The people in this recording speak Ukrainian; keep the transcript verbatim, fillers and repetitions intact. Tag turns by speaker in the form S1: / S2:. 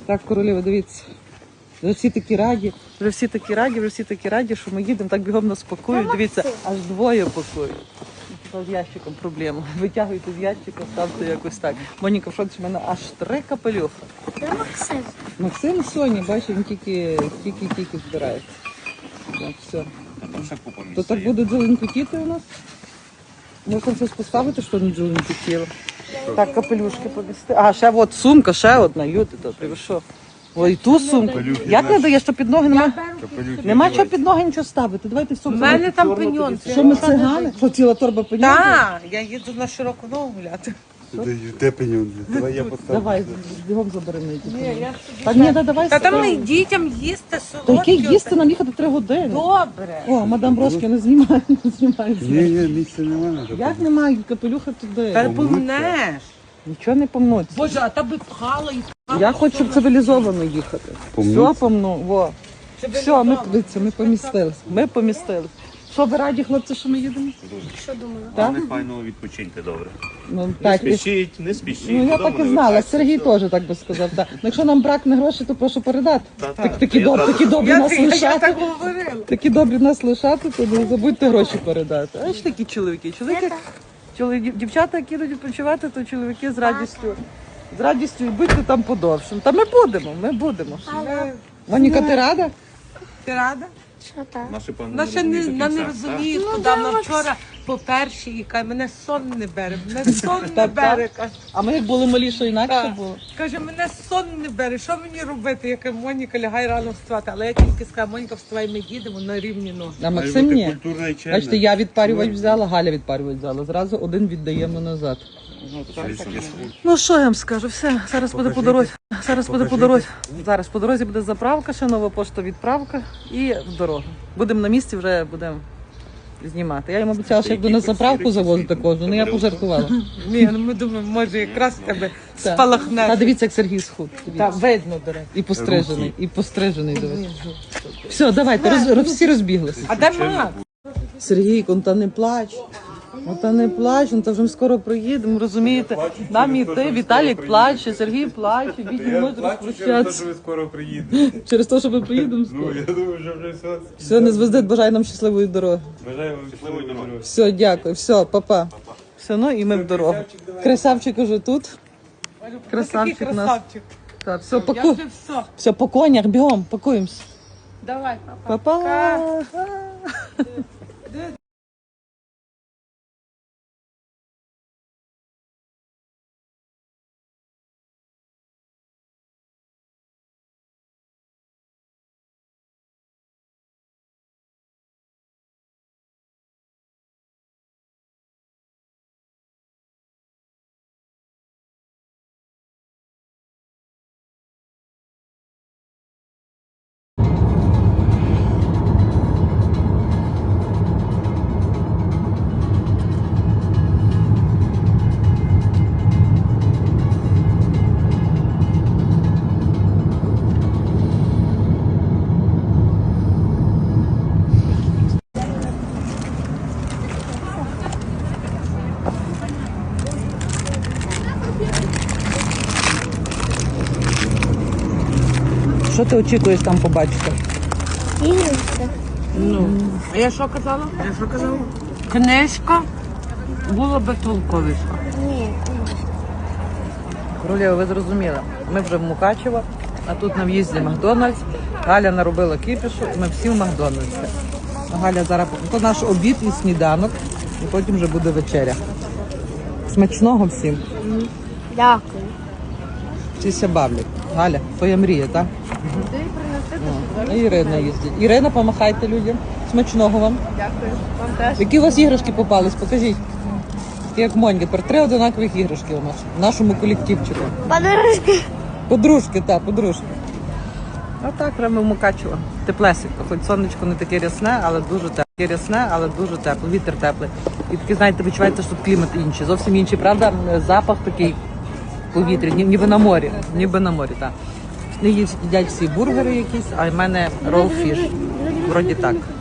S1: Так, королева, дивіться. Вже всі такі раді, вже всі такі раді, вже всі такі раді, що ми їдемо, так бігом нас пакують. Дивіться, аж двоє пакують. З ящиком проблема. Витягуйте з ящика, ставте якось так. Моніка, в шоці, в мене аж три капелюха.
S2: Це Максим.
S1: Максим Соні, бачиш, він тільки, тільки, тільки збирається. Так, все. То так буде дзеленькотіти у нас? Можна щось поставити, що не дзеленькотіло? Так, капелюшки повісти. А, ще от сумка, ще одна, люди, добре, ви що? Ой, і ту сумку. Як не даєш, що під ноги нема? Нема чого під ноги нічого ставити. Давайте в сумку.
S3: У мене там пеньон.
S1: Що ми цигани? Що ціла торба пеньон?
S3: Так, я їду на широку ногу гуляти.
S4: Де пеньон? Давай я поставлю.
S1: Давай, бігом забери мені.
S3: Ні, я
S1: Та ні, да, давай.
S3: Та там
S1: давай.
S3: і дітям їсти
S1: Та
S3: солодкі.
S1: яке їсти нам їхати три години?
S3: Добре.
S1: О, мадам Брошки не знімає, не знімає.
S4: Ні, ні, місця немає.
S1: Як немає капелюха туди?
S3: Та помнеш.
S1: Нічого не помнуть.
S3: Боже, а та би пхала і пхала.
S1: Я хочу, щоб цивілізовано їхати.
S4: Помнуть?
S1: Все помну, во. Все, ми, дивіться, ми помістились. Ми помістились. Що ви раді, хлопці, що ми їдемо?
S2: Що думала?
S1: Так?
S5: Вони файно відпочиньте добре.
S1: Ну,
S5: Не
S1: так, і-
S5: спішіть, не спішіть.
S1: ну я
S5: Додому
S1: так і
S5: не
S1: знала.
S5: вертайтеся.
S1: Сергій теж так би сказав. Так. Ну, якщо нам бракне грошей, то прошу передати.
S5: Та,
S1: Так,
S5: та,
S1: такі,
S5: я
S1: доб,
S5: зразу-
S1: такі добрі
S3: Я,
S1: нас
S3: я, я
S1: лишати.
S3: так говорила.
S1: Такі добрі нас лишати, то не забудьте гроші передати. А ж такі чоловіки. Чоловіки, чоловіки дівчата, які йдуть відпочивати, то чоловіки з радістю. З радістю і будьте там подовше. Та ми будемо, ми будемо. Моніка, ти рада?
S3: Ти рада?
S2: Що так?
S5: Наші пани
S3: Вона ще
S5: розуміють
S3: не,
S5: до
S3: вона не
S5: кінця,
S3: розуміє, куди вона вчора по першій і каже, мене сон не бере, мене сон не
S1: Так,
S3: бере.
S1: так.
S3: Каже,
S1: А ми як були малі, що інакше
S3: Так.
S1: було.
S3: Каже, мене сон не бере, що мені робити? Я кажу, Моніка, лягай рано вставати. Але я тільки сказала, Моніка, вставай, ми їдемо на рівні ноги.
S1: А
S4: Має
S1: Максим
S4: бути
S1: ні.
S4: культурна і чемна.
S1: Бачите, я відпарювач взяла, Галя відпарювач взяла. Зразу один віддаємо назад. Ну що я вам скажу, все, зараз буде по дорозі. Зараз буде по дорозі. Зараз по дорозі буде заправка, ще нова пошта відправка і в дорогу. Будемо на місці, вже будемо знімати. Я йому обіцяла, що як буду на заправку завозити кожну, ну я пожартувала.
S3: Ні, ну ми думаємо, може якраз в тебе
S1: Та
S3: спалахне.
S1: дивіться, як Сергій схуд.
S3: Та видно, до речі.
S1: І пострижений, і пострижений, дивіться. Все, давайте, роз, роз- всі розбіглися.
S3: А де Макс?
S1: Сергійко, ну та не плач. Ну та не плач, ну та вже ми скоро приїдемо, розумієте? Нам іти, Віталік плаче, Сергій плаче, бідні можуть розпрощатися.
S4: ви скоро приїдете.
S1: Через те, що ми приїдемо скоро.
S4: Я думаю, що вже все.
S1: Все, не звездить, бажаю нам щасливої дороги.
S4: Бажаю вам щасливої дороги.
S1: Все, дякую, все, папа. Все, ну і ми в дорогу. Красавчик уже тут. Красавчик
S3: Такий
S1: у нас.
S3: красавчик.
S1: Так, все,
S3: Я
S1: паку...
S3: вже все.
S1: все, по конях, бігом, пакуємося.
S3: Давай, папа.
S1: Папа. Що ти очікуєш там побачити?
S2: Іграшка.
S3: Ну, а я що казала? Я що казала? Книжка була би толковіша.
S2: Ні.
S1: Королева, ви зрозуміли, ми вже в Мукачево, а тут на в'їзді Макдональдс. Галя наробила кіпішу, і ми всі в Макдональдсі. Галя зараз, то наш обід і сніданок, і потім вже буде вечеря. Смачного всім.
S2: Дякую.
S1: Всі ся бавлять. Галя, твоя мрія, так? О, і Ірина їздить. Ірина, помахайте людям. Смачного вам.
S3: Дякую. Вам теж.
S1: Які у вас іграшки попались? Покажіть. Такі як Монька, тепер три одинакових іграшки у нас, в нашому колективчику.
S2: Подружки.
S1: Подружки, так, подружки. А так, прямо в Мукачево. Теплесенько, хоч сонечко не таке рясне, але дуже тепле. Таке рясне, але дуже тепло, вітер теплий. І таке, знаєте, відчувається, що тут клімат інший. Зовсім інший, правда? Запах такий повітря, ні- ніби на морі. Ніби на морі, так. Не їдять всі бургери якісь, а в мене ролл фіш. Вроді так.